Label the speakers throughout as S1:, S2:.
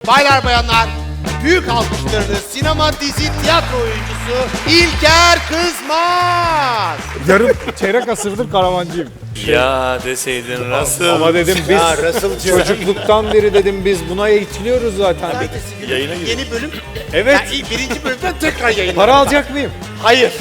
S1: baylar bayanlar, büyük alkışlarınız sinema, dizi, tiyatro oyuncusu İlker Kızmaz.
S2: Yarım çeyrek asırdır karavancıyım.
S3: Ya deseydin nasıl?
S2: Ama dedim biz
S1: Ya Russell'cığım.
S2: çocukluktan beri dedim biz buna eğitiliyoruz zaten.
S1: Ertesi gün
S3: Yayına giriyor.
S1: yeni bölüm.
S2: Evet.
S1: Ya ilk birinci bölümden tekrar yayın.
S2: Para alacak mıyım?
S1: Hayır.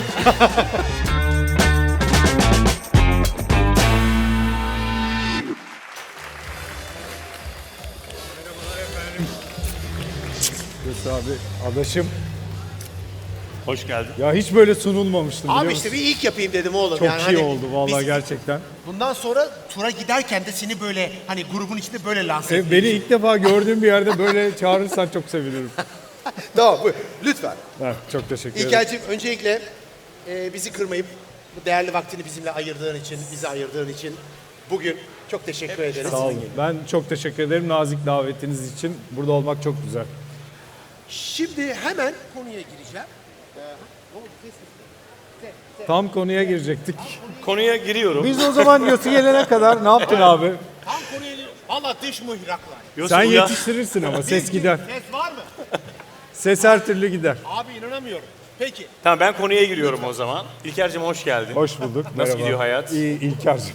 S2: Yes abi, adaşım.
S3: Hoş geldin.
S2: Ya hiç böyle sunulmamıştım biliyor
S1: Abi
S2: musun?
S1: işte bir ilk yapayım dedim oğlum.
S2: Çok
S1: yani
S2: iyi
S1: hani
S2: oldu vallahi
S1: biz
S2: gerçekten.
S1: Bundan sonra tura giderken de seni böyle hani grubun içinde böyle lanse etmeyi
S2: Beni ilk defa gördüğüm bir yerde böyle çağırırsan çok sevinirim.
S1: Tamam buyur. Lütfen.
S2: Ha, çok teşekkür ederim.
S1: İlker'cim öncelikle bizi kırmayıp bu değerli vaktini bizimle ayırdığın için, bizi ayırdığın için bugün çok teşekkür ederiz.
S2: Sağ olun. Ben çok teşekkür ederim nazik davetiniz için. Burada olmak çok güzel.
S1: Şimdi hemen konuya gireceğim.
S2: Tam konuya girecektik.
S3: Konuya giriyorum.
S2: Biz o zaman Yosi gelene kadar ne yaptın abi?
S1: Tam konuya giriyorum. Valla dış mıhraklar.
S3: Yoksa
S2: Sen
S3: uyan-
S2: yetiştirirsin ama ses gider.
S1: Ses var mı?
S2: Ses her türlü gider.
S1: Abi inanamıyorum. Peki.
S3: Tamam ben konuya giriyorum o zaman. İlker'cim hoş geldin.
S2: Hoş bulduk. Merhaba.
S3: gidiyor hayat?
S2: İyi İlker'cim.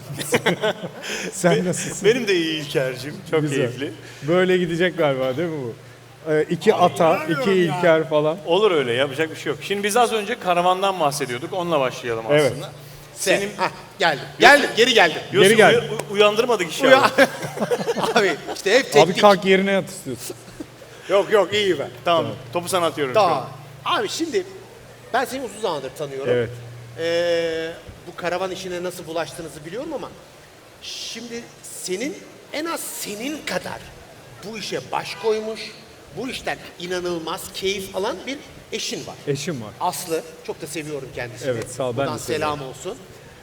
S2: Sen nasılsın?
S3: Benim de iyi İlker'cim. Çok
S2: Güzel.
S3: keyifli.
S2: Böyle gidecek galiba değil mi bu? İki ata, iki İlker falan.
S3: Olur öyle yapacak bir şey yok. Şimdi biz az önce karavandan bahsediyorduk. Onunla başlayalım
S2: Evet.
S3: aslında.
S1: Senin... Hah geldim. Geldim. Geri geldim.
S3: Yusuf,
S2: gel.
S3: Uyandırmadık
S1: Uya.
S3: inşallah.
S1: Abi işte hep teknik.
S2: Abi kalk yerine yat istiyorsun.
S1: Yok iyi ben.
S3: Tamam. Topu sana atıyorum şu
S1: Tamam.
S3: an.
S1: Abi şimdi ben seni uzun zamandır tanıyorum.
S2: Evet.
S1: Bu karavan işine nasıl bulaştığınızı biliyorum ama şimdi senin en az senin kadar bu işe baş koymuş, bu işten inanılmaz keyif alan bir eşin var.
S2: Eşim var.
S1: Aslı. Çok da seviyorum kendisini.
S2: Evet, sağ ol, ben
S1: Buradan
S2: de seviyorum.
S1: selam olsun.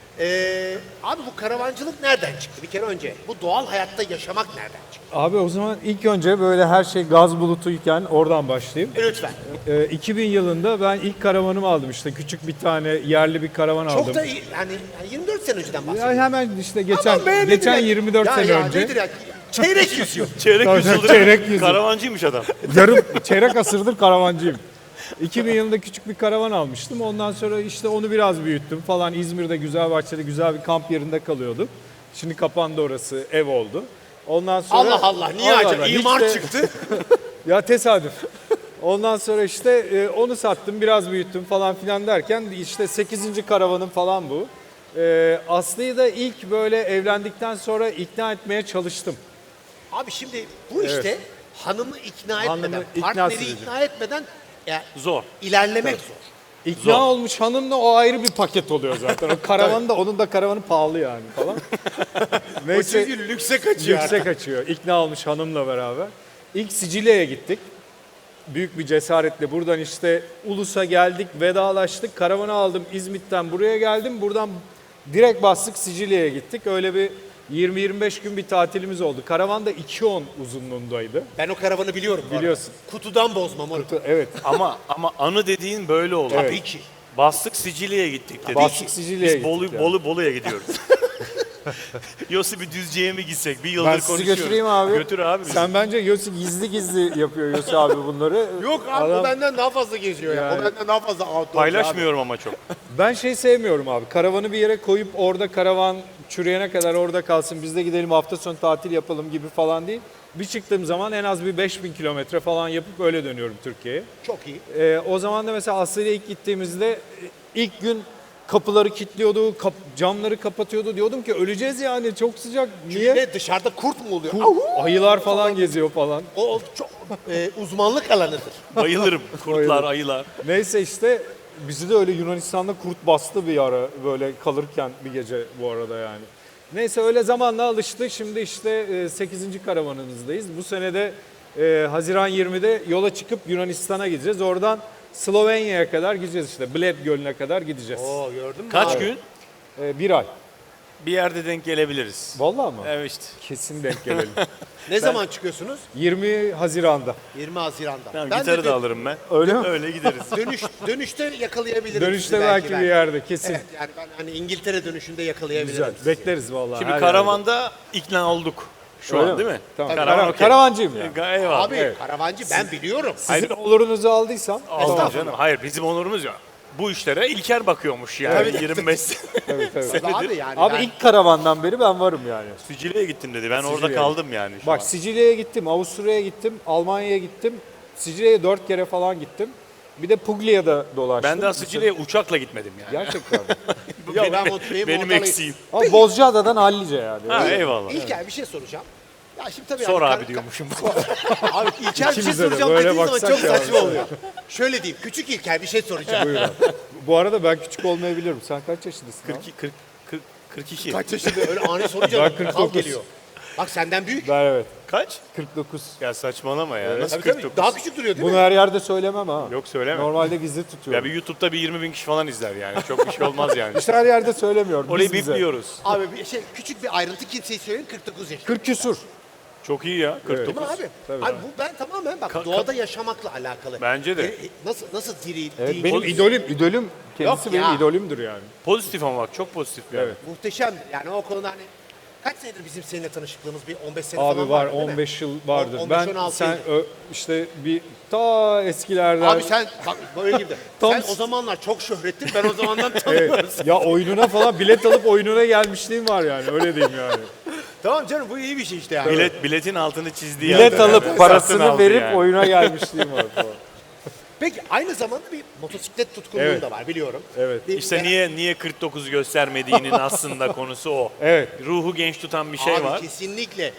S1: Abi bu karavancılık nereden çıktı? Bir kere önce bu doğal hayatta yaşamak nereden çıktı?
S2: Abi o zaman ilk önce böyle her şey gaz bulutuyken oradan başlayayım.
S1: Lütfen.
S2: 2000 yılında ben ilk karavanımı aldım işte küçük bir tane yerli bir karavan aldım.
S1: Çok da iyi. Yani 24 sene önceden
S2: Ya
S1: bahsediyorum.
S2: hemen işte
S1: Aman be, nedir
S2: geçen
S1: ya?
S2: 24
S1: Ya,
S2: sene
S1: ya,
S2: önce.
S1: nedir ya? Çeyrek yüzüyor.
S3: Çeyrek
S2: Tabii,
S3: yüzyıldır
S2: çeyrek yüzyıl.
S3: karavancıymış adam.
S2: Yarım çeyrek asırdır karavancıyım. 2000 yılında küçük bir karavan almıştım. Ondan sonra işte onu biraz büyüttüm falan. İzmir'de Güzelbahçe'de güzel bir kamp yerinde kalıyordum. Şimdi kapandı orası, ev oldu. Ondan sonra
S1: Allah Allah niye
S2: Allah
S1: acaba?
S2: Allah, hiç
S1: İmar
S2: de-
S1: çıktı.
S2: Ya tesadüf. Ondan sonra işte onu sattım, biraz büyüttüm falan filan derken işte 8. karavanım falan bu. Aslı'yı da ilk böyle evlendikten sonra ikna etmeye çalıştım.
S1: Abi şimdi bu işte hanımı ikna
S2: Hanımı
S1: etmeden,
S2: ikna
S1: partneri
S2: süreci.
S1: ikna etmeden ya,
S3: Zor.
S1: ilerlemek zor.
S2: İkna
S3: Zor.
S2: olmuş hanımla o ayrı bir paket oluyor zaten. O karavan da onun da karavanı pahalı yani falan.
S1: O çünkü lükse kaçıyor.
S2: yüksek açıyor. İkna olmuş hanımla beraber. İlk Sicilya'ya gittik. Büyük bir cesaretle buradan işte Ulus'a geldik, vedalaştık. Karavanı aldım İzmit'ten buraya geldim. Buradan direkt bastık Sicilya'ya gittik. Öyle bir 20-25 gün bir tatilimiz oldu. Karavan da 2.10 uzunluğundaydı.
S1: Ben o karavanı biliyorum. bu arada.
S2: Biliyorsun.
S1: Kutudan bozmam onu.
S2: Evet.
S3: ama anı dediğin böyle oldu.
S1: Tabii ki.
S3: Bastık Sicilya'ya gittik dedik.
S2: Bastık Sicilya'ya
S3: Biz
S2: gittik yani.
S3: Bolu'ya gidiyoruz. Yossi bir Düzce'ye mi gitsek? Bir yıldır
S2: Ben sizi
S3: konuşuyoruz.
S2: götüreyim abi.
S3: Götür abi bizi.
S2: Sen bence Yosi gizli gizli yapıyor Yosi abi bunları.
S1: Yok abi o
S2: Adam-
S1: benden daha fazla geziyor ya. O
S2: Yani-
S1: benden daha fazla outdoor.
S3: Paylaşmıyorum ama çok.
S2: Ben şey sevmiyorum abi. Karavanı bir yere koyup orada karavan çürüyene kadar orada kalsın. Biz de gidelim hafta sonu tatil yapalım gibi falan değil. Bir çıktığım zaman en az bir 5000 kilometre falan yapıp öyle dönüyorum Türkiye'ye.
S1: Çok iyi.
S2: O zaman da mesela Aslı ile ilk gittiğimizde ilk gün kapıları kilitliyordu, camları kapatıyordu. Diyordum ki öleceğiz yani çok sıcak. Niye?
S1: Ne dışarıda kurt mu oluyor? Ahu!
S2: Ayılar falan geziyor falan.
S1: O çok uzmanlık alanıdır.
S3: Bayılırım. Kurtlar, ayılar.
S2: Neyse işte bizi de öyle Yunanistan'da kurt bastı bir ara böyle kalırken bir gece bu arada yani. Neyse öyle zamanla alıştı. Şimdi işte 8. karavanımızdayız. Bu sene de Haziran 20'de yola çıkıp Yunanistan'a gideceğiz. Oradan Slovenya'ya kadar gideceğiz işte. Bled Gölü'ne kadar gideceğiz.
S1: Oo gördün mü?
S3: Kaç
S1: abi?
S3: gün?
S2: Bir ay.
S3: Bir yerde denk gelebiliriz.
S2: Vallahi mı?
S3: Evet işte.
S2: Kesin denk gelelim.
S1: Ne zaman çıkıyorsunuz?
S2: 20 Haziran'da.
S1: 20 Haziran'da.
S3: Tamam,
S1: Ben
S3: gitarı
S1: de
S3: da alırım ben.
S2: Öyle mi?
S3: Öyle gideriz.
S1: dönüşte yakalayabilirim
S2: Dönüşte
S1: sizi
S2: belki bir
S1: ben.
S2: yerde kesin.
S1: Evet yani ben hani İngiltere dönüşünde yakalayabilirim.
S2: Güzel.
S1: sizi.
S2: Bekleriz vallahi.
S3: Şimdi
S2: her
S3: karavanda ikna olduk. Şu
S2: Öyle
S3: an değil mi?
S2: Tamam.
S3: Karavan okey.
S2: Karavancıyım yani.
S3: Eyvallah.
S1: Abi karavancı ben biliyorum.
S2: Sizin olurunuzu aldıysam
S3: Allah canım. Hayır bizim onurumuz ya. Bu işlere İlker bakıyormuş yani 25
S2: evet.
S1: Abi yani
S2: Abi
S1: ben-
S2: ilk karavandan beri ben varım yani.
S3: Sicilya'ya gittim dedi. Ben orada
S2: Sicilya'ya.
S3: kaldım yani şu
S2: Bak
S3: an.
S2: Sicilya'ya gittim, Avusturya'ya gittim, Almanya'ya gittim. Sicilya'ya 4 kere falan gittim. Bir de Puglia'da dolaştım.
S3: Ben daha Sicilya'ya uçakla gitmedim yani.
S2: Gerçekten mi?
S3: Bu
S1: Ya
S3: benim,
S1: ben
S3: benim
S1: Montalya'yı-
S3: eksiğim.
S2: Ama Bozcaada'dan Hallice yani.
S3: Ha eyvallah.
S1: İlker bir şey soracağım. Ya şimdi tabii
S3: Sor
S1: yani
S3: abi diyormuşum.
S1: Abi İlker bir şey
S2: İkimize de
S1: soracağım
S2: böyle
S1: dediğin zaman
S2: baksak
S1: çok
S2: ya.
S1: saçma oluyor. Şöyle diyeyim, küçük İlker bir şey soracağım.
S2: Buyur abi. Bu arada ben küçük olmayabilirim. Sen kaç yaşındasın abi?
S3: 42.
S1: Kaç yaşında öyle ani sorunca
S2: Ben
S1: kal
S2: 49.
S1: geliyor. Bak senden büyük.
S2: Ben evet.
S3: Kaç?
S2: 49.
S3: Ya saçmalama ya. Nasıl
S1: Tabii tabii
S3: 49?
S1: daha küçük duruyor değil
S2: Bunu
S1: mi?
S2: her yerde söylemem ha.
S3: Yok söyleme.
S2: Normalde gizli tutuyorum.
S3: Ya bir YouTube'da bir 20 bin kişi falan izler yani. Çok bir şey olmaz yani.
S2: İşte her yerde söylemiyorum.
S3: Orayı
S2: Biz bize.
S3: bipliyoruz.
S1: Abi bir şey küçük bir ayrıntı kimseye söyleyin 49 yaşında.
S2: 40 küsur.
S3: Çok iyi ya. 49.
S1: Değil mi abi?
S2: Tabii.
S1: Abi bu ben tamamen bak doğada yaşamakla alakalı.
S3: Bence de.
S1: Nasıl diri,
S2: Evet,
S1: dinç,
S2: benim idolüm. Kendisi
S1: Yok
S2: benim
S1: ya.
S2: idolümdür yani.
S3: Pozitif ama bak çok pozitif yani.
S2: Evet.
S1: muhteşem. Yani o konuda hani kaç senedir bizim seninle tanışıklığımız bir 15 sene
S2: Abi
S1: falan
S2: var
S1: değil mi?
S2: 15 yıl vardır.
S1: 15,
S2: Ben
S1: 16
S2: sen
S1: yıl.
S2: işte bir ta eskilerden
S1: Abi sen bak böyle gibi.
S2: Tam-
S1: Sen o zamanlar çok şöhrettin. Ben o zamandan
S2: Evet.
S1: tanıyoruz.
S2: Ya oyununa falan bilet alıp oyununa gelmişliğim var yani öyle diyeyim yani.
S1: Tamam canım bu iyi bir şey işte yani.
S3: Biletin altını çizdiği
S2: Bilet
S3: yerde
S2: alıp
S3: yani.
S2: parasını
S3: Satın aldı
S2: verip
S3: yani.
S2: oyuna gelmişliğim var falan.
S1: Peki aynı zamanda bir motosiklet tutkunluğun
S2: Evet.
S1: da var biliyorum.
S2: Evet.
S1: Bir-
S3: İşte niye 49 göstermediğinin aslında konusu o.
S2: Evet.
S3: Ruhu genç tutan bir şey
S1: Abi
S3: var.
S1: kesinlikle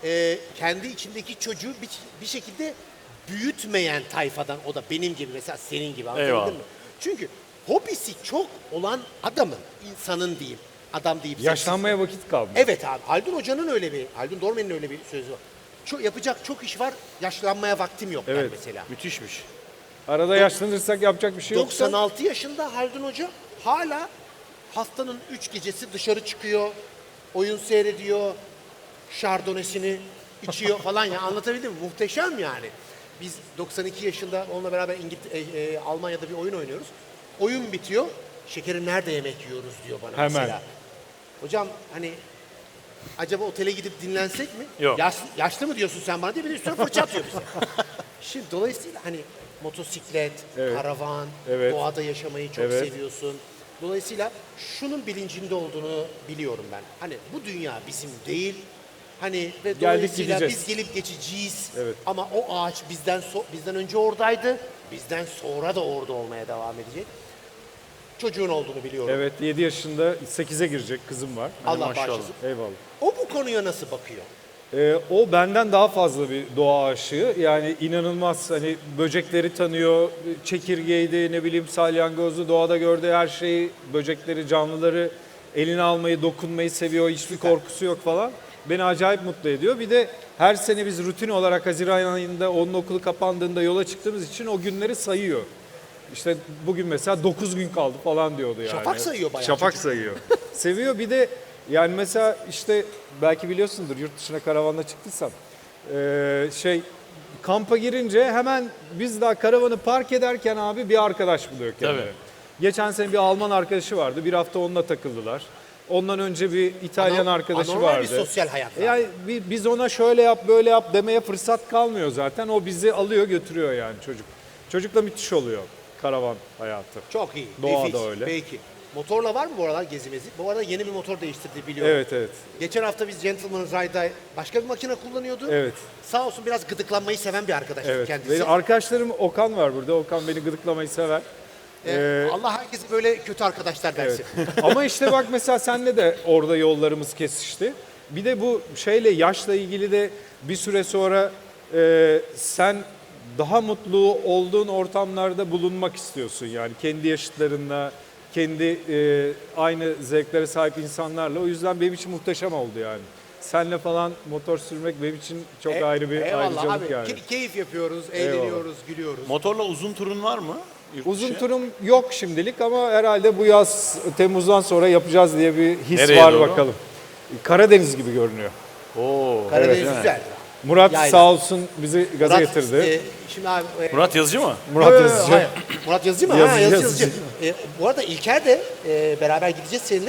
S1: kendi içindeki çocuğu bir şekilde büyütmeyen tayfadan o da benim gibi mesela senin gibi anladın
S3: Eyvallah.
S1: mı? Çünkü hobisi çok olan adamın, insanın diyeyim, adam deyip
S2: Yaşlanmaya vakit kaldı.
S1: Evet abi Haldun Hoca'nın öyle bir, Haldun Dormen'in öyle bir sözü var. Yapacak çok iş var, yaşlanmaya vaktim yok der
S2: Evet.
S1: mesela.
S3: Müthişmiş.
S2: Arada yaşlanırsak yapacak bir şey yoksa
S1: 96 yaşında Haldun Hoca hala haftanın 3 gecesi dışarı çıkıyor, oyun seyrediyor, şardonesini içiyor falan ya anlatabildim mi? Muhteşem yani. Biz 92 yaşında onunla beraber Almanya'da bir oyun oynuyoruz. Oyun bitiyor. Şekerim nerede yemek yiyoruz diyor bana
S2: Hemen.
S1: mesela. Hocam hani acaba otele gidip dinlensek mi?
S3: Yok.
S1: Yaşlı mı diyorsun sen bana diye bir de üstüne fırça atıyor bize. Şimdi dolayısıyla hani motosiklet,
S2: Evet.
S1: karavan,
S2: Evet.
S1: doğada yaşamayı çok
S2: Evet.
S1: seviyorsun. Dolayısıyla şunun bilincinde olduğunu biliyorum ben. Hani bu dünya bizim değil. Hani ve dolayısıyla
S2: gideceğiz.
S1: biz gelip geçeceğiz.
S2: Evet.
S1: Ama o ağaç bizden önce oradaydı. Bizden sonra da orada olmaya devam edecek. Çocuğun olduğunu biliyorum.
S2: evet 7 yaşında 8'e girecek kızım var.
S1: Allah
S3: maşallah.
S1: bağışlasın.
S2: Eyvallah.
S1: O bu konuya nasıl bakıyor?
S2: O benden daha fazla bir doğa aşığı. Yani inanılmaz hani böcekleri tanıyor, çekirgeydi, ne bileyim salyangozlu, doğada gördüğü her şeyi, böcekleri, canlıları eline almayı, dokunmayı seviyor. Hiçbir korkusu yok falan. Beni acayip mutlu ediyor. Bir de her sene biz rutin olarak Haziran ayında onun okulu kapandığında yola çıktığımız için o günleri sayıyor. İşte bugün mesela 9 gün kaldı falan diyordu yani.
S1: Şafak sayıyor bayağı
S2: Şafak
S1: çocuk.
S2: sayıyor. Seviyor bir de yani mesela işte belki biliyorsundur yurt dışına karavanla çıktıysam kampa girince hemen biz daha karavanı park ederken abi bir arkadaş buluyor kendine.
S3: Tabii.
S2: Geçen sene bir Alman arkadaşı vardı. Bir hafta onunla takıldılar. Ondan önce bir İtalyan arkadaşı
S1: Anormal
S2: vardı.
S1: bir sosyal hayat var.
S2: Yani biz ona şöyle yap böyle yap demeye fırsat kalmıyor zaten. O bizi alıyor götürüyor yani çocuk. Çocukla müthiş oluyor karavan hayatı.
S1: Çok iyi.
S2: Doğada
S1: nefis.
S2: öyle.
S1: Peki. Motorla var mı bu aralar gezimezi? Bu arada yeni bir motor değiştirdi biliyorum.
S2: Evet evet.
S1: Geçen hafta biz Gentleman Ride'da başka bir makine kullanıyordu.
S2: Evet.
S1: Sağ olsun biraz gıdıklanmayı seven bir arkadaş
S2: Evet.
S1: kendisi.
S2: Benim arkadaşlarım Okan var burada. Okan beni gıdıklamayı sever.
S1: Allah herkese böyle kötü arkadaşlar versin.
S2: Ama işte bak mesela senle de orada yollarımız kesişti. Bir de bu şeyle yaşla ilgili de bir süre sonra sen daha mutlu olduğun ortamlarda bulunmak istiyorsun. Yani kendi yaşıtlarınla, kendi aynı zevklere sahip insanlarla. O yüzden benim için muhteşem oldu yani. Senle falan motor sürmek benim için çok ayrı bir
S1: Eyvallah
S2: ayrıcalık
S1: abi.
S2: yani.
S1: Keyif yapıyoruz, eğleniyoruz, gülüyoruz.
S3: Motorla uzun turun var mı? Yurt
S2: Uzun
S3: dışı?
S2: turum yok şimdilik ama herhalde bu yaz Temmuz'dan sonra yapacağız diye bir his
S3: Nereye
S2: var
S3: doğru?
S2: bakalım. Karadeniz gibi görünüyor.
S3: Oo.
S1: Karadeniz
S2: evet.
S1: güzel.
S2: Murat
S1: Yayla.
S2: sağ olsun bizi gaza
S1: Murat,
S2: getirdi.
S1: şimdi abi...
S3: Murat Yazıcı mı?
S2: Murat
S1: Yo, yo, yo,
S2: Yazıcı.
S1: hayır. Murat Yazıcı mı?
S2: Yazıcı,
S1: Ha,
S2: Yazıcı.
S1: Yazıcı. Bu arada İlker de beraber gideceğiz seninle.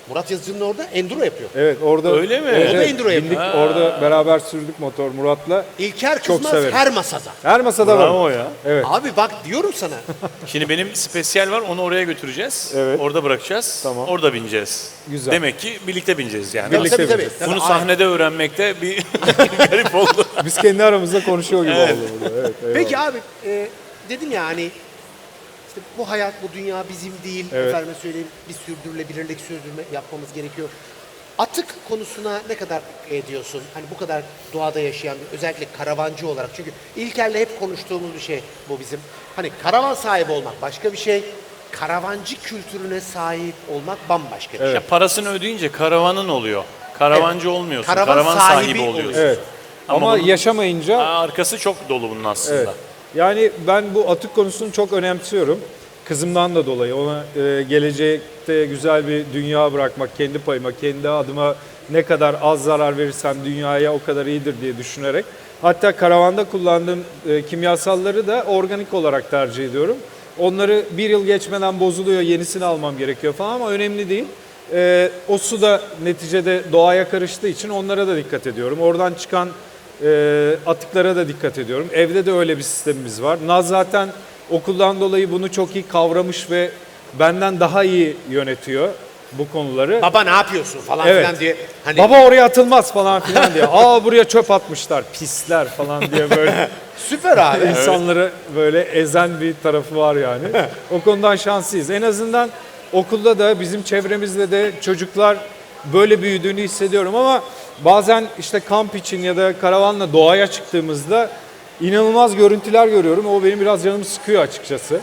S1: Murat Yazıcı'nın orada enduro yapıyor.
S2: Evet orada.
S3: Öyle mi?
S2: Evet,
S1: O da enduro yapıyor.
S2: bindik, orada beraber sürdük motor Murat'la.
S1: İlker
S2: Çok
S1: Kızmaz
S2: severim.
S1: her masada.
S2: Her masada var.
S3: Bravo ya.
S2: Evet.
S1: Abi bak diyorum sana.
S3: Şimdi benim spesyal var, onu oraya götüreceğiz.
S2: Evet.
S3: Orada bırakacağız.
S2: Tamam.
S3: Orada bineceğiz.
S2: Güzel.
S3: Demek ki birlikte bineceğiz yani.
S2: Birlikte
S1: tabii, tabii,
S2: bineceğiz.
S1: tabii.
S3: Bunu
S1: Aynen.
S3: sahnede öğrenmekte bir garip oldu.
S2: Biz kendi aramızda konuşuyor gibi
S3: Evet.
S2: oldu burada. Evet, eyvallah.
S1: Peki abi dedim ya hani işte bu hayat, bu dünya bizim değil.
S2: Evet.
S1: Efendime söyleyeyim bir sürdürülebilirlik sürdürme yapmamız gerekiyor. Atık konusuna ne kadar ediyorsun? Hani bu kadar doğada yaşayan bir, özellikle karavancı olarak. Çünkü İlker'le hep konuştuğumuz bir şey bu bizim. Hani karavan sahibi olmak başka bir şey. Karavancı kültürüne sahip olmak bambaşka bir şey.
S3: Ya parasını ödeyince karavanın oluyor. Karavancı olmuyorsun.
S1: Karavan
S3: Karavan
S1: sahibi
S3: sahibi oluyorsun.
S2: Evet. Ama
S3: bunun-
S2: yaşamayınca
S3: Arkası çok dolu bunun aslında.
S2: evet. Yani ben bu atık konusunu çok önemsiyorum. Kızımdan da dolayı ona gelecekte güzel bir dünya bırakmak, kendi payıma, kendi adıma ne kadar az zarar verirsem dünyaya o kadar iyidir diye düşünerek. Hatta karavanda kullandığım kimyasalları da organik olarak tercih ediyorum. Onları bir yıl geçmeden bozuluyor, yenisini almam gerekiyor falan ama önemli değil. O su da neticede doğaya karıştığı için onlara da dikkat ediyorum. Oradan çıkan atıklara da dikkat ediyorum. Evde de öyle bir sistemimiz var. Naz zaten okuldan dolayı bunu çok iyi kavramış ve benden daha iyi yönetiyor bu konuları.
S1: Baba ne yapıyorsun falan
S2: Evet.
S1: filan diye. Hani
S2: Baba oraya atılmaz falan filan diye. Aa buraya çöp atmışlar, pisler falan diye böyle
S1: süper abi.
S2: insanları böyle ezen bir tarafı var yani. O konudan şanslıyız. En azından okulda da bizim çevremizde de çocuklar böyle büyüdüğünü hissediyorum ama bazen işte kamp için ya da karavanla doğaya çıktığımızda inanılmaz görüntüler görüyorum. O benim biraz canımı sıkıyor açıkçası.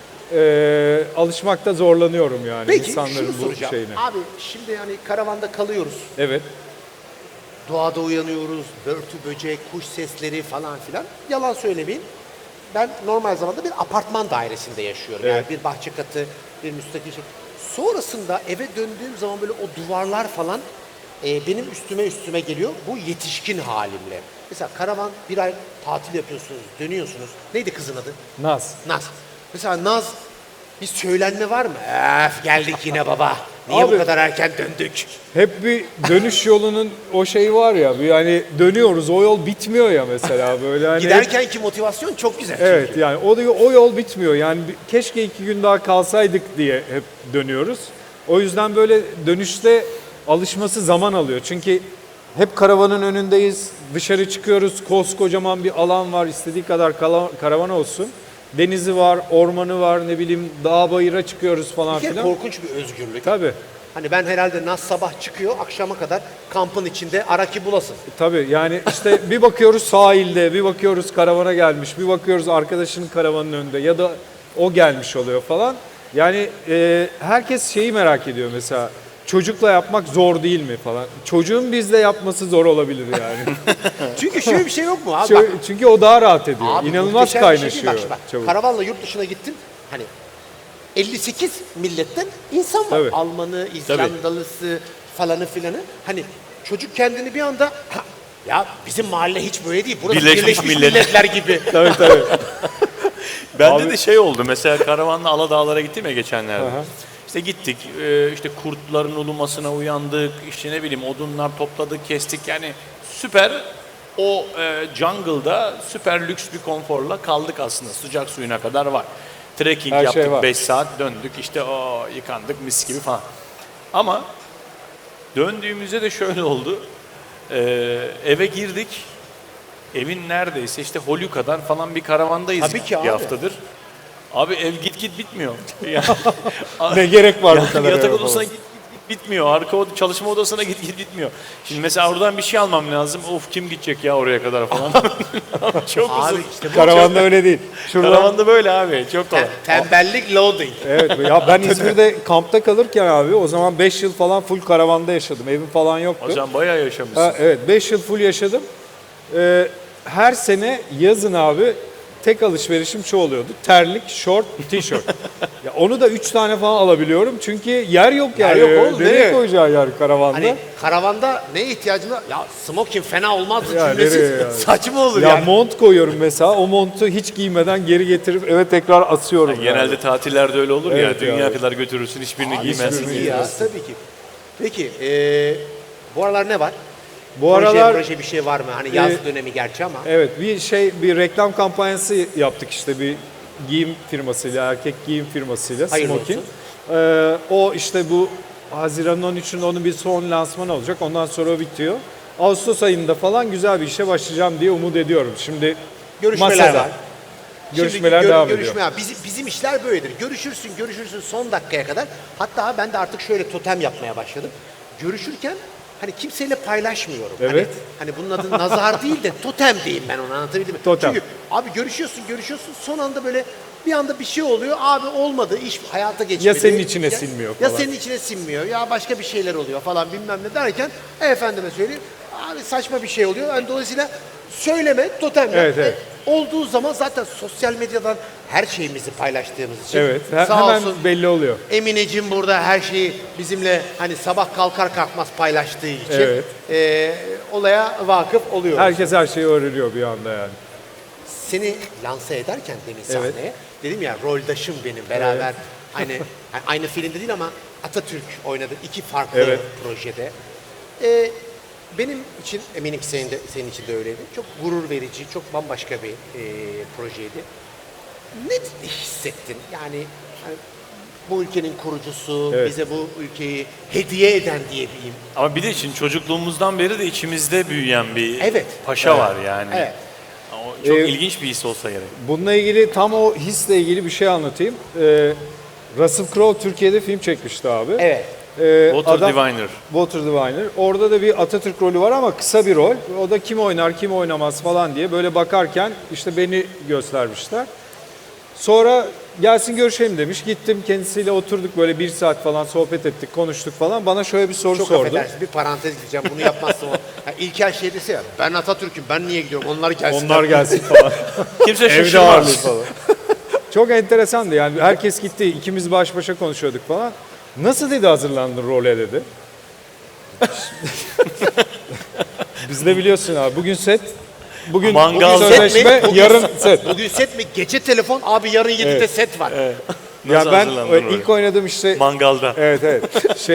S2: Alışmakta zorlanıyorum yani
S1: Peki
S2: insanların
S1: şunu
S2: bu
S1: soracağım.
S2: şeyine.
S1: Abi şimdi yani karavanda kalıyoruz.
S2: Evet.
S1: Doğada uyanıyoruz. Börtü, böcek, kuş sesleri falan filan. Yalan söylemeyin. Ben normal zamanda bir apartman dairesinde yaşıyorum. Yani
S2: Evet.
S1: bir bahçe katı, bir müstakil şey. Sonrasında eve döndüğüm zaman böyle o duvarlar falan benim üstüme geliyor. Bu yetişkin halimle. Mesela karavan bir ay tatil yapıyorsunuz, dönüyorsunuz. Neydi kızın adı?
S2: Naz.
S1: Naz. Mesela Naz bir söylenme var mı? Öf geldik yine baba. Niye
S2: Abi-
S1: bu kadar erken döndük?
S2: Hep bir dönüş yolunun o şeyi var ya, bir hani dönüyoruz, o yol bitmiyor ya mesela böyle hani.
S1: Giderkenki motivasyon çok güzel.
S2: Evet
S1: çünkü.
S2: yani o yol bitmiyor yani keşke 2 gün daha kalsaydık diye hep dönüyoruz. O yüzden böyle dönüşte alışması zaman alıyor. Çünkü hep karavanın önündeyiz, dışarı çıkıyoruz, koskocaman bir alan var, istediği kadar karavan olsun. Denizi var, ormanı var, ne bileyim dağ bayıra çıkıyoruz falan
S1: Bir kere
S2: filan.
S1: korkunç bir özgürlük.
S2: Tabii.
S1: Hani ben herhalde Naz sabah çıkıyor, akşama kadar kampın içinde araki bulasın.
S2: Tabii yani işte bir bakıyoruz sahilde, bir bakıyoruz karavana gelmiş, bir bakıyoruz arkadaşının karavanın önünde ya da o gelmiş oluyor falan. Yani herkes şeyi merak ediyor mesela, çocukla yapmak zor değil mi falan. Çocuğun bizle yapması zor olabilir yani.
S1: Çünkü şöyle bir şey yok mu abi? Bak,
S2: Çünkü o daha rahat ediyor.
S1: abi
S2: İnanılmaz
S1: muhteşem bir şey değil.
S2: kaynaşıyor
S1: Bak, şimdi bak,
S2: çabuk.
S1: karavanla yurt dışına gittin. Hani 58 milletten insan var.
S2: Tabii.
S1: Almanı, İzlandalısı falanı filanı. Hani çocuk kendini bir anda "Ha, ya bizim mahalle hiç böyle değil. Burası
S3: Birleşmiş
S1: Birleşmiş,
S3: Milletler."
S1: Milletler gibi.
S2: Tabii tabii.
S3: Bende
S2: Abi-
S3: de şey oldu. Mesela karavanla Aladağlara gittim ya geçenlerde.
S2: Aha.
S3: İşte gittik, işte kurtların ulumasına uyandık, işte ne bileyim odunlar topladık, kestik. Yani süper o jungle'da süper lüks bir konforla kaldık aslında. Sıcak suyuna kadar var. Trekking
S2: Her şey
S3: yaptık
S2: var.
S3: 5 saat döndük işte o yıkandık mis gibi falan. Ama döndüğümüzde de şöyle oldu. Eve girdik. Evin neredeyse işte Holyu kadar falan bir karavandayız
S1: Tabii ki
S3: bir
S1: abi.
S3: haftadır. Abi ev git bitmiyor. Yani,
S2: Ne gerek var bu kadar
S3: yatak
S2: eve
S3: odasına
S2: falan.
S3: git bitmiyor. Çalışma odasına git bitmiyor. Şimdi mesela oradan bir şey almam lazım. Of kim gidecek ya oraya kadar falan. Çok
S1: Abi
S3: uzun.
S1: işte bu
S2: Karavanda öyle değil. Şuradan
S3: Karavanda böyle abi. Çok kolay.
S1: tembellik loading.
S2: evet ya ben İzmir'de kampta kalırken abi o zaman 5 yıl falan full karavanda yaşadım. Evim falan yoktu.
S3: Hocam bayağı yaşamışsın.
S2: Ha, evet 5 yıl full yaşadım. Her sene yazın abi tek alışverişim şu oluyordu. Terlik, şort, tişört. Ya onu da 3 tane falan alabiliyorum. Çünkü yer yok yani.
S1: Yer yok oğlum,
S2: Nereye
S1: nereye?
S2: koyacağı yer karavanda?
S1: Hani karavanda ne ihtiyacın var? Ya smoking fena olmazdı
S2: Ya
S1: cümlesi
S2: nereye yani?
S1: saçma olur
S2: ya
S1: yani.
S2: mont koyuyorum mesela. O montu hiç giymeden geri getirip eve tekrar asıyorum.
S3: Genelde tatillerde öyle olur
S2: Evet
S3: ya. Dünya
S2: ya.
S3: kadar götürürsün hiçbirini
S1: Abi
S3: giymezsin.
S1: tabii ki ya, tabii ki. Peki bu aralar ne var?
S2: Bu
S1: Proje,
S2: aralar
S1: proje bir şey var mı? Hani yaz dönemi gerçi ama.
S2: evet bir reklam kampanyası yaptık işte bir giyim firmasıyla, erkek giyim firmasıyla
S1: Hayırlı
S2: Smokin.
S1: olsun.
S2: O işte bu Haziran'ın 13'ünde onun bir son lansmanı olacak. Ondan sonra o bitiyor. Ağustos ayında falan güzel bir işe başlayacağım diye umut ediyorum. Şimdi
S1: Görüşmeler
S2: masada.
S1: var.
S2: Görüşmeler
S1: Şimdi
S2: devam ediyor.
S1: bizim işler böyledir. Görüşürsün son dakikaya kadar. Hatta ben de artık şöyle totem yapmaya başladım. Görüşürken hani kimseyle paylaşmıyorum.
S2: Evet.
S1: Hani bunun adı nazar değil de totem diyeyim ben onu, anlatabildim mi?
S2: Totem.
S1: Çünkü abi görüşüyorsun son anda böyle bir anda bir şey oluyor. Abi olmadı, iş hayata geçmedi.
S2: Ya senin içine sinmiyor
S1: Ya
S2: falan.
S1: senin içine sinmiyor. Ya başka bir şeyler oluyor falan bilmem ne derken efendime söyleyeyim. Abi saçma bir şey oluyor. Yani dolayısıyla söyleme, totem yap.
S2: Evet.
S1: Olduğu zaman zaten sosyal medyadan her şeyimizi paylaştığımız için
S2: Evet,
S1: sağ
S2: hemen
S1: olsun
S2: belli oluyor.
S1: Emineciğim burada her şeyi bizimle hani sabah kalkar kalkmaz paylaştığı için
S2: Evet.
S1: olaya vakıf oluyoruz.
S2: Herkes her şeyi öğreniyor bir anda yani.
S1: Seni lanse ederken demin sahneye
S2: Evet.
S1: dedim ya roldaşım benim beraber aynı filmde değil ama Atatürk oynadı iki farklı
S2: Evet.
S1: projede. Benim için eminim ki senin için de öyleydi. Çok gurur verici, çok bambaşka bir projeydi. Ne hissettin? Yani hani bu ülkenin kurucusu,
S2: Evet.
S1: bize bu ülkeyi hediye eden diyebileyim.
S3: Ama bir de şimdi çocukluğumuzdan beri de içimizde büyüyen bir
S1: Evet.
S3: paşa var yani.
S1: Evet.
S3: O çok ilginç bir his olsa gerek.
S2: Bununla ilgili tam o hisle ilgili bir şey anlatayım. Russell Crowe Türkiye'de film çekmişti abi.
S1: Evet.
S3: Walter Diviner.
S2: Walter Diviner. Orada da bir Atatürk rolü var ama kısa bir rol. O da kim oynar, kim oynamaz falan diye böyle bakarken işte beni göstermişler. Sonra gelsin görüşelim demiş. Gittim kendisiyle oturduk böyle 1 saat falan sohbet ettik, konuştuk falan. Bana şöyle bir soru
S1: Çok
S2: sordu.
S1: affedersin bir parantez diyeceğim bunu yapmazsam. İlker şey dese ya ben Atatürk'üm ben niye gidiyorum onlar gelsin.
S2: Onlar gelsin falan.
S3: Kimse
S2: Evde ağırlığı
S3: şaşırmaz.
S2: falan. Çok enteresandı yani herkes gitti, ikimiz baş başa konuşuyorduk falan. Nasıl dedi hazırlandın role dedi. Biz de biliyorsun abi bugün set, bugün
S3: Mangal
S2: bugün
S3: set
S2: sözleşme,
S1: mi? Bugün-
S2: yarın set.
S1: Bugün set mi? Gece telefon abi yarın 7'de set var.
S3: Nasıl
S2: Ya ben
S3: hazırlandın
S2: ilk oynadığım işte
S3: Mangalda.
S2: evet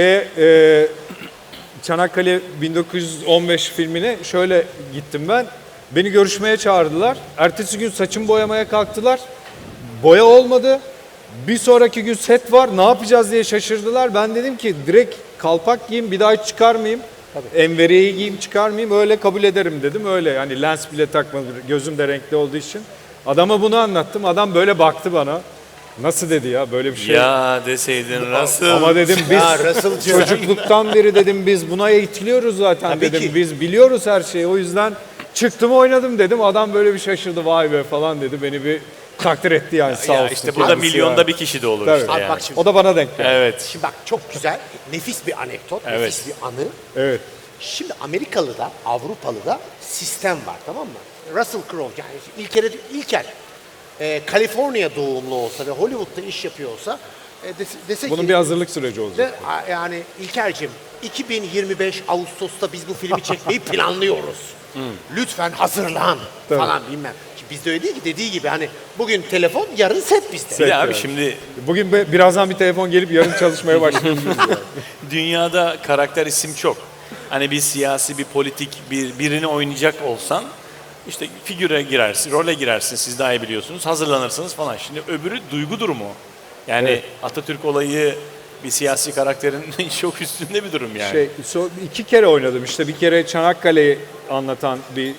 S2: Çanakkale 1915 filmine şöyle gittim ben. Beni görüşmeye çağırdılar. Ertesi gün saçımı boyamaya kalktılar. Boya olmadı. Bir sonraki gün set var. Ne yapacağız diye şaşırdılar. Ben dedim ki direkt kalpak giyeyim bir daha hiç çıkarmayayım. Enveriyeyi giyeyim çıkarmayayım. Öyle kabul ederim dedim. Öyle yani lens bile takmadım. Gözüm de renkli olduğu için. Adama bunu anlattım. Adam böyle baktı bana. Nasıl dedi ya böyle bir şey.
S3: Ya deseydin nasıl?
S2: Ama dedim biz
S1: Ya Russell'cığım.
S2: çocukluktan beri dedim biz buna eğitiliyoruz zaten
S1: Tabii
S2: dedim.
S1: ki.
S2: Biz biliyoruz her şeyi. O yüzden çıktım oynadım dedim. Adam böyle bir şaşırdı vay be falan dedi. Beni bir takdir etti yani sağ
S3: Ya
S2: olsun.
S3: işte burada
S2: kendisi
S3: milyonda
S2: yani.
S3: bir kişi de olur
S2: Tabii.
S3: işte
S1: Abi
S3: yani.
S1: bak şimdi.
S2: O da bana denk geldi.
S3: Evet.
S1: Şimdi bak çok güzel, nefis bir anekdot,
S3: Evet.
S1: nefis bir anı.
S2: Evet.
S1: Şimdi Amerikalı'da, Avrupalı'da sistem var tamam mı? Russell Crowe yani İlker Kaliforniya doğumlu olsa ve Hollywood'da iş yapıyor olsa dese
S2: Bunun
S1: ki
S2: bir hazırlık süreci olacak.
S1: yani İlker'cim 2025 Ağustos'ta biz bu filmi çekmeyi planlıyoruz. Lütfen hazırlan
S2: Tabii.
S1: falan bilmem. Şimdi bizde öyle değil ki dediği gibi hani bugün telefon yarın set bizde.
S3: Bir de abi
S2: yani.
S3: şimdi
S2: Bugün birazdan bir telefon gelip yarın çalışmaya başlayacağız.
S3: dünyada karakter isim çok. Hani bir siyasi, bir politik, birini oynayacak olsan işte figüre girersin, role girersin siz daha iyi biliyorsunuz, hazırlanırsınız falan. Şimdi öbürü duygu durumu. Yani
S2: Evet.
S3: Atatürk olayı bir siyasi karakterin çok üstünde bir durum yani.
S2: 2 kere oynadım işte bir kere Çanakkale'yi anlatan bir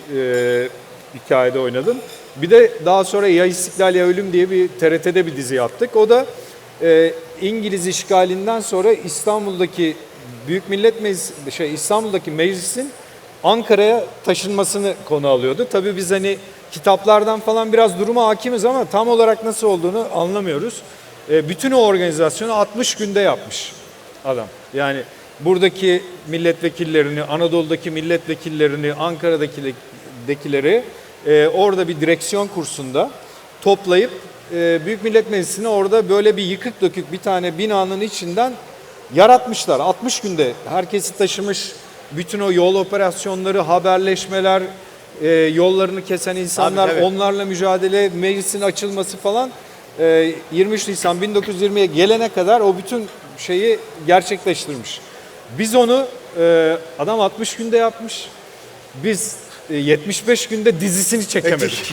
S2: hikayede oynadım. Bir de daha sonra Ya İstiklal Ya Ölüm diye bir TRT'de bir dizi yaptık. O da İngiliz işgalinden sonra İstanbul'daki Büyük Millet Meclisi, İstanbul'daki meclisin Ankara'ya taşınmasını konu alıyordu. Tabii biz hani kitaplardan falan biraz duruma hakimiz ama tam olarak nasıl olduğunu anlamıyoruz. Bütün o organizasyonu 60 günde yapmış adam. Yani buradaki milletvekillerini, Anadolu'daki milletvekillerini, Ankara'dakileri orada bir direksiyon kursunda toplayıp Büyük Millet Meclisi'ne orada böyle bir yıkık dökük bir tane binanın içinden yaratmışlar. 60 günde herkesi taşımış, bütün o yol operasyonları, haberleşmeler, yollarını kesen insanlar,
S1: Tabii, tabii.
S2: onlarla mücadele, meclisin açılması falan 23 Nisan 1920'ye gelene kadar o bütün şeyi gerçekleştirmiş. Biz onu adam 60 günde yapmış. Biz 75 günde dizisini çekemedik.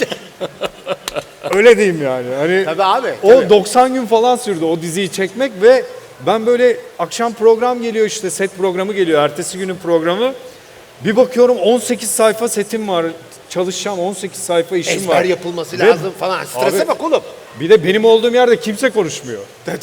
S2: Öyle diyeyim yani. Hani
S1: Tabii abi.
S2: o
S1: tabii.
S2: 90 gün falan sürdü o diziyi çekmek ve ben böyle akşam program geliyor, işte set programı geliyor, ertesi günün programı. Bir bakıyorum 18 sayfa setim var. Çalışacağım, 18 sayfa işim
S1: Ezber
S2: var.
S1: yapılması
S2: Ve-
S1: lazım falan. Strese
S2: Abi-
S1: bak oğlum.
S2: Bir de benim olduğum yerde kimse konuşmuyor.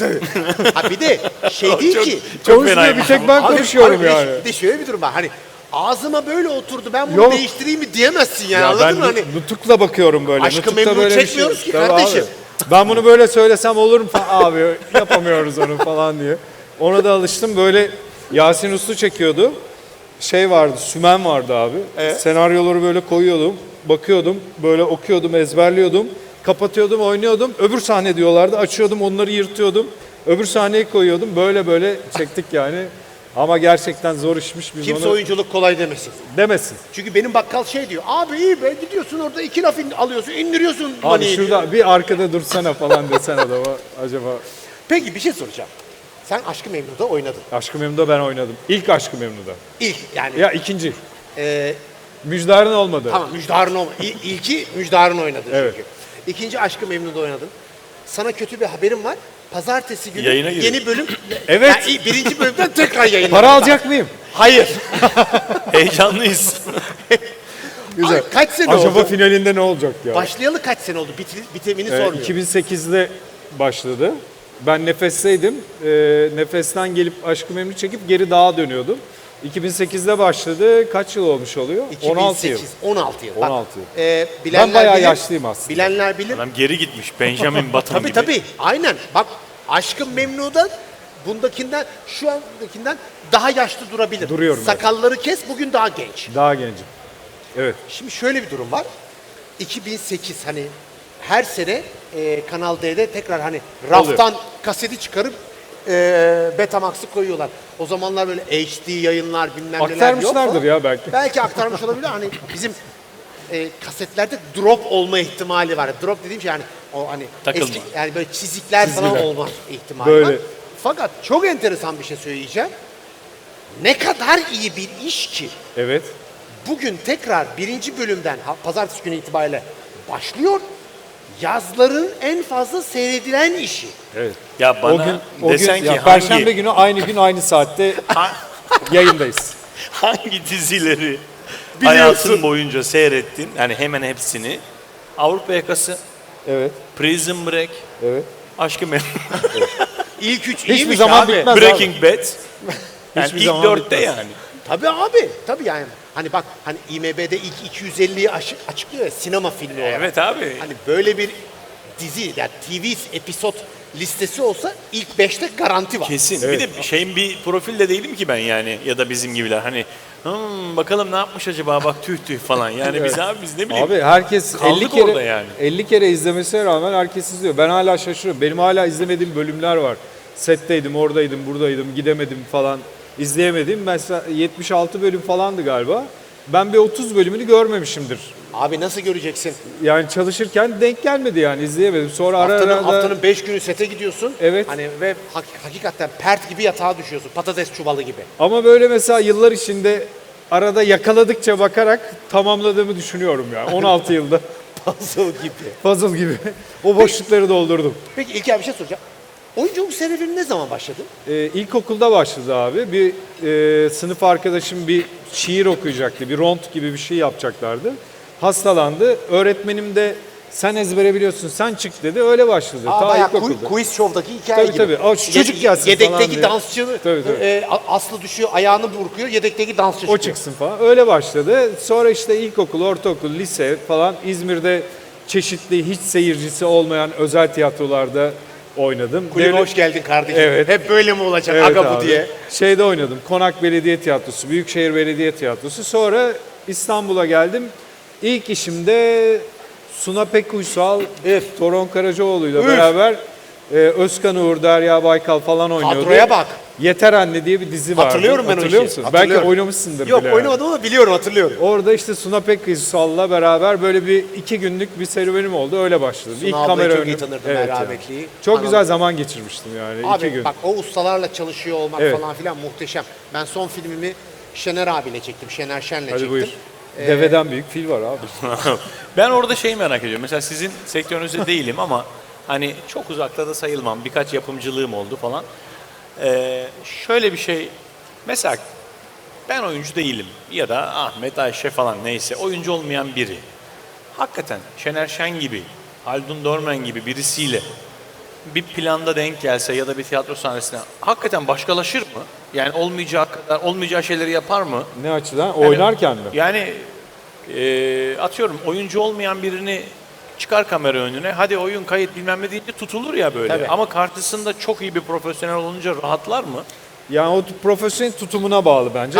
S1: Ha bir de şey değil
S3: Çok-
S1: ki.
S3: Çok
S2: Konuşmuyor, bir
S3: fenaymış
S2: tek
S3: ama.
S2: ben
S1: Abi,
S2: konuşuyorum
S1: abi bir de-
S2: yani.
S1: Bir de şöyle bir durum var. Hani ağzıma böyle oturdu, ben bunu
S2: Yok.
S1: değiştireyim mi diyemezsin yani,
S2: Ya
S1: anladın
S2: ben
S1: mı? Hani
S2: nutukla bakıyorum böyle.
S1: Aşkı
S2: Nutukta
S1: Memnu
S2: böyle bir
S1: çekmiyoruz ki
S2: Tabii
S1: kardeşim.
S2: abi. Ben bunu böyle söylesem olur mu falan, abi yapamıyoruz onu falan diye. Ona da alıştım. Böyle Yasin Uslu çekiyordu. Şey vardı, Sümen vardı abi.
S1: Evet.
S2: Senaryoları böyle koyuyordum, bakıyordum, böyle okuyordum, ezberliyordum. Kapatıyordum, oynuyordum. Öbür sahne diyorlardı. Açıyordum, onları yırtıyordum. Öbür sahneyi koyuyordum. Böyle böyle çektik yani. Ama gerçekten zor işmiş. Biz
S1: kimse
S2: onu
S1: oyunculuk kolay demesin.
S2: demesin.
S1: Çünkü benim bakkal şey diyor. Abi iyi be, gidiyorsun orada 2 laf alıyorsun, indiriyorsun
S2: Abi
S1: maniyi diyor.
S2: şurada bir arkada dursana falan desen adama acaba.
S1: Peki bir şey soracağım. Sen Aşk-ı Memnu'da oynadın.
S2: Aşk-ı Memnu'da ben oynadım. İlk Aşk-ı Memnu'da.
S1: İlk yani.
S2: Ya ikinci.
S1: e,
S2: Müjdar'ın olmadı.
S1: tamam Müjdar'ın ilki Müjdar'ın oynadın
S2: Evet.
S1: çünkü. İkinci Aşk-ı Memnu'da oynadın. Sana kötü bir haberim var. Pazartesi günü
S3: Yayına giriyor.
S1: yeni bölüm.
S2: Evet.
S1: Yani birinci bölümden tekrar yayınlanacak.
S2: Para alacak mıyım?
S1: Hayır.
S3: Heyecanlıyız.
S2: Güzel.
S1: Ay, kaç sene
S2: Acaba
S1: oldu?
S2: finalinde ne olacak ya?
S1: Başlayalı kaç sene oldu? Bitimini sormuyorum.
S2: 2008'de başladı. Ben Nefes'teydim. Nefes'ten gelip Aşk-ı Memnu çekip geri dağa dönüyordum. 2008'de başladı. Kaç yıl olmuş oluyor? 16 yıl.
S1: 16 yıl.
S2: 16 yıl.
S1: Bilenler
S2: Ben bayağı
S1: bilir,
S2: yaşlıyım aslında.
S1: Bilenler bilir.
S3: Adam geri gitmiş. Benjamin Button
S1: Tabii
S3: gibi.
S1: tabii. Aynen. Bak Aşk-ı Memnu'da bundakinden, şu andakinden daha yaşlı durabilir.
S2: Duruyorum ben.
S1: Sakalları kes, bugün daha genç.
S2: Daha gencim. Evet.
S1: Şimdi şöyle bir durum var. 2008 hani her sene Kanal D'de tekrar hani raftan kaseti çıkarıp Betamax'ı koyuyorlar. O zamanlar böyle HD yayınlar bilmem neler yok.
S2: Aktarmışlardır
S1: falan.
S2: ya belki.
S1: Belki aktarmış olabilir. Hani bizim kasetlerde drop olma ihtimali var. Drop dediğim şey yani o hani
S3: Takılma.
S1: eski yani böyle çizikler falan
S2: Çizgiler.
S1: olma ihtimali
S2: Böyle.
S1: var. Fakat çok enteresan bir şey söyleyeceğim. Ne kadar iyi bir iş ki
S2: Evet.
S1: bugün tekrar birinci bölümden pazartesi günü itibariyle başlıyor. Yazların en fazla seyredilen işi.
S2: Evet.
S3: Ya bana desen ki
S2: ya
S3: hangi,
S2: Perşembe günü aynı gün aynı saatte yayındayız.
S3: hangi dizileri hayatın boyunca seyrettin? Yani hemen hepsini. Avrupa Yakası,
S2: Evet.
S3: Prison Break,
S2: Evet.
S3: Aşk-ı Memnu,
S1: İlk üç
S2: Hiçbir
S1: iyiymiş
S2: zaman
S1: abi.
S2: bitmez.
S3: Breaking Bad. Yani
S2: Hiçbir
S3: ilk
S2: zaman
S3: dörtte
S2: bitmez.
S3: yani.
S1: Tabii abi. Tabii yani. Hani bak hani IMDb'de ilk 250'yi açıklıyor ya sinema filmi olarak.
S3: Evet abi.
S1: Hani böyle bir dizi yani TV episod listesi olsa ilk 5'te garanti var.
S3: Kesin. Bir de şeyin bir profilde değilim ki ben yani ya da bizim gibiler. Hani bakalım ne yapmış acaba bak tüh tüh falan. Yani biz ne bileyim.
S2: Abi herkes
S3: Kaldık
S2: 50 kere
S3: orada yani.
S2: 50 kere izlemesine rağmen herkes izliyor. Ben hala şaşırıyorum. Benim hala izlemediğim bölümler var. Setteydim, oradaydım, buradaydım, gidemedim falan. İzleyemedim. Mesela 76 bölüm falandı galiba. Ben bir 30 bölümünü görmemişimdir.
S1: Abi nasıl göreceksin?
S2: Yani çalışırken denk gelmedi yani izleyemedim. Sonra ara ara da
S1: Haftanın 5 günü sete gidiyorsun.
S2: Evet.
S1: Hani ve hakikaten pert gibi yatağa düşüyorsun. Patates çuvalı gibi.
S2: ama böyle mesela yıllar içinde arada yakaladıkça bakarak tamamladığımı düşünüyorum ya. 16 yılda
S1: Puzzle gibi.
S2: puzzle gibi o boşlukları doldurdum.
S1: Peki İlker bir şey soracağım. Oyunculuk serüvenin ne zaman başladı?
S2: İlkokulda başladı abi. Bir sınıf arkadaşım bir şiir okuyacaktı. Bir ront gibi bir şey yapacaklardı. Hastalandı. Öğretmenim de sen ezbere biliyorsun sen çık dedi. Öyle başladı. Ta
S1: Bayağı
S2: ilkokulda.
S1: quiz show'daki hikaye
S2: Tabii,
S1: gibi.
S2: tabii. O şu çocuk gelsin falan
S1: Yedekteki
S2: diye.
S1: dansçı
S2: Tabii, tabii.
S1: Aslı düşüyor, ayağını burkuyor. Yedekteki dansçı
S2: O
S1: çıkıyor.
S2: çıksın falan. Öyle başladı. Sonra işte ilkokul, ortaokul, lise falan İzmir'de çeşitli hiç seyircisi olmayan özel tiyatrolarda oynadım.
S1: Kulübe
S2: Devlet-
S1: hoş geldin kardeşim.
S2: Evet.
S1: Hep böyle mi olacak
S2: Evet
S1: aga bu
S2: abi.
S1: diye.
S2: Şeyde oynadım. Konak Belediye Tiyatrosu, Büyükşehir Belediye Tiyatrosu. Sonra İstanbul'a geldim. İlk işimde Suna Pekuysal, Toron Karacaoğlu'yla beraber Özkan Uğur, Derya Baykal falan oynuyorduk.
S1: Kadroya bak.
S2: Yeter Anne diye bir dizi vardı.
S1: Hatırlıyorum ben o
S2: Hatırlıyor
S1: işi.
S2: musun?
S1: Hatırlıyorum.
S2: Belki oynamışsındır
S1: Yok
S2: bile.
S1: oynamadım ama biliyorum, hatırlıyorum.
S2: Orada işte Suna Pekkaysal'la beraber böyle bir 2 günlük bir serüvenim oldu. Öyle başladım.
S1: Suna ablayı çok iyi tanırdım ben,
S2: yani.
S1: rahmetliyi.
S2: Çok
S1: Anam-
S2: güzel zaman geçirmiştim yani 2
S1: Abi
S2: gün.
S1: bak o ustalarla çalışıyor olmak
S2: Evet.
S1: falan filan muhteşem. Ben son filmimi Şener abiyle çektim, Şener Şen'le
S2: Hadi
S1: çektim.
S2: buyur. Deveden büyük fil var abi.
S3: Ben orada şeyi merak ediyorum. Mesela sizin sektörünüzde değilim ama hani çok uzakta da sayılmam. Birkaç yapımcılığım oldu falan. Şöyle bir şey. Mesela ben oyuncu değilim ya da Ahmet, Ayşe falan neyse oyuncu olmayan biri. Hakikaten Şener Şen gibi, Haldun Dorman gibi birisiyle bir planda denk gelse ya da bir tiyatro sahnesine hakikaten başkalaşır mı? Yani olmayacağı kadar, olmayacağı şeyleri yapar mı?
S2: Ne açıdan? Oynarken mi?
S3: Yani atıyorum oyuncu olmayan birini çıkar kamera önüne, hadi oyun kayıt bilmem ne deyince tutulur ya böyle.
S1: Tabii.
S3: Ama karşısında çok iyi bir profesyonel olunca rahatlar mı?
S2: Yani o profesyonel tutumuna bağlı bence.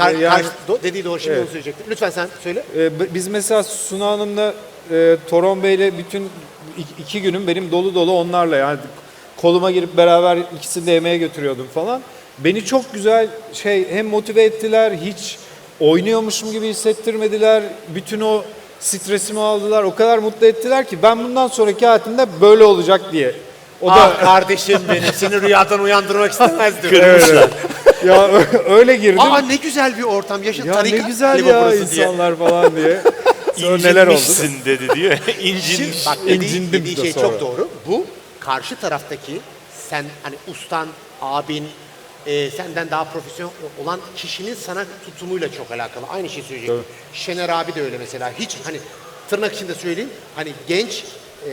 S1: Dediği doğru, şimdi
S2: Evet.
S1: onu söyleyecektim. Lütfen sen söyle.
S2: Biz mesela Suna Hanım'la Toron Bey'le bütün 2 günüm benim dolu dolu onlarla yani koluma girip beraber ikisini de yemeğe götürüyordum falan. Beni çok güzel hem motive ettiler, hiç oynuyormuşum gibi hissettirmediler. Bütün o stresimi aldılar. O kadar mutlu ettiler ki ben bundan sonraki hayatımda böyle olacak diye. O da
S1: Ah kardeşim benim, seni rüyadan uyandırmak istemezdim.
S2: evet. Ya öyle girdim.
S1: Aa ne güzel bir ortam. Yaşa
S2: Ya
S1: tarikat
S2: ne güzel
S1: galiba
S2: ya
S1: burası diye.
S2: insanlar falan diye. Sonra neler oldu?
S3: İncinmişsin dedi diyor.
S1: Şimdi
S3: İncinmiş.
S1: bak
S2: İncindim
S1: dediği
S2: de
S1: şey
S2: sonra.
S1: çok doğru. Bu karşı taraftaki sen hani ustan, abin, senden daha profesyonel olan kişinin sana tutumuyla çok alakalı. Aynı şeyi söyleyecektim. Şener abi de öyle mesela. Hiç hani tırnak içinde söyleyeyim. Hani genç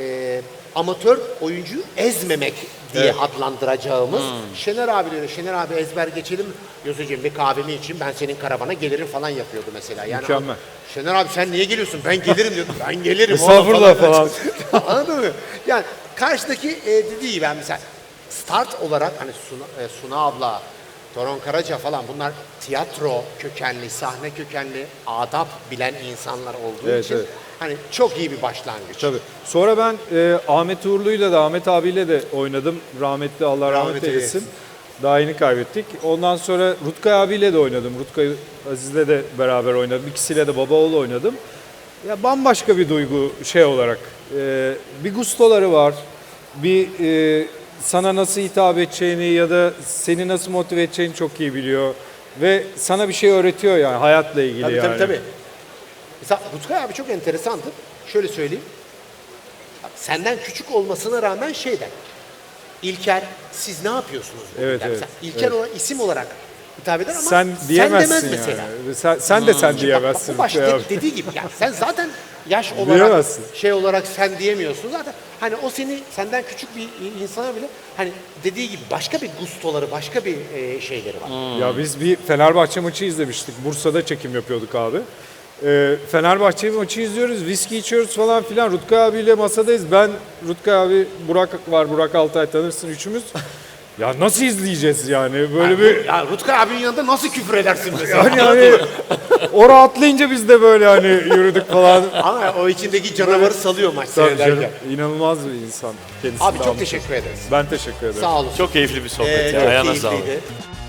S1: amatör oyuncuyu ezmemek diye adlandıracağımız Şener abi de öyle. Şener abi ezber geçelim. Yoseciğim bir kahvemi için ben senin karavana gelirim falan yapıyordu mesela. Yani
S2: Mükemmel.
S1: Şener abi sen niye geliyorsun? Ben gelirim diyordum. Ben gelirim. oğlum
S2: Estağfurullah falan.
S1: Anladın mı? Yani karşıdaki dediği gibi ben mesela start olarak hani Suna abla, Toron Karaca falan bunlar tiyatro kökenli, sahne kökenli, adap bilen insanlar olduğu
S2: Evet,
S1: için
S2: evet.
S1: hani çok iyi bir başlangıç.
S2: Tabii. Sonra ben Ahmet Uğurlu'yla da Ahmet abiyle de oynadım. Rahmetli Allah rahmet
S1: Rahmet
S2: eylesin.
S1: eylesin.
S2: Daha yeni kaybettik. Ondan sonra Rutkay abiyle de oynadım. Rutkay Aziz'le de beraber oynadım. İkisiyle de baba oğlu oynadım. Ya bambaşka bir duygu olarak. Bir gustoları var. Bir sana nasıl hitap edeceğini ya da seni nasıl motive edeceğini çok iyi biliyor. Ve sana bir şey öğretiyor yani hayatla ilgili
S1: Tabii
S2: yani.
S1: tabii. Mesela Rutkay abi çok enteresandır. Şöyle söyleyeyim. Bak, senden küçük olmasına rağmen şey der. İlker siz ne yapıyorsunuz? bugün?"
S2: Evet,
S1: der.
S2: evet,
S1: Mesela İlker ona isim olarak hitap eder ama
S2: Sen diyemezsin
S1: demez
S2: yani.
S1: mesela.
S2: Sen de sen
S1: Bak,
S2: diyemezsin.
S1: bu başta
S2: Rutkay abi.
S1: dediği gibi yani sen zaten yaş olarak
S2: Diyemezsin.
S1: şey olarak sen diyemiyorsun zaten. Hani o senden küçük bir insana bile hani dediği gibi başka bir gustoları, başka bir şeyleri var.
S2: Ya biz bir Fenerbahçe maçı izlemiştik. Bursa'da çekim yapıyorduk abi. Fenerbahçe maçı izliyoruz, viski içiyoruz falan filan. Rutkay abiyle masadayız. Ben, Rutkay abi, Burak var, Burak Altay tanırsın üçümüz. Ya nasıl izleyeceğiz yani? Böyle bir...
S1: Ya Rutkay abinin yanında nasıl küfür edersin mesela?
S2: Yani o rahatlayınca biz de böyle hani yürüdük falan.
S1: Ama o içindeki canavarı salıyor maç
S2: Tabii
S1: seyrederken.
S2: canım, inanılmaz bir insan. Kendisi
S1: Abi
S2: de
S1: çok
S2: almış.
S1: teşekkür ederiz.
S2: Ben teşekkür ederim.
S1: Sağ olun.
S3: Çok keyifli bir sohbet. ya.
S1: Çok
S3: Ayağına sağlık.
S1: keyifliydi.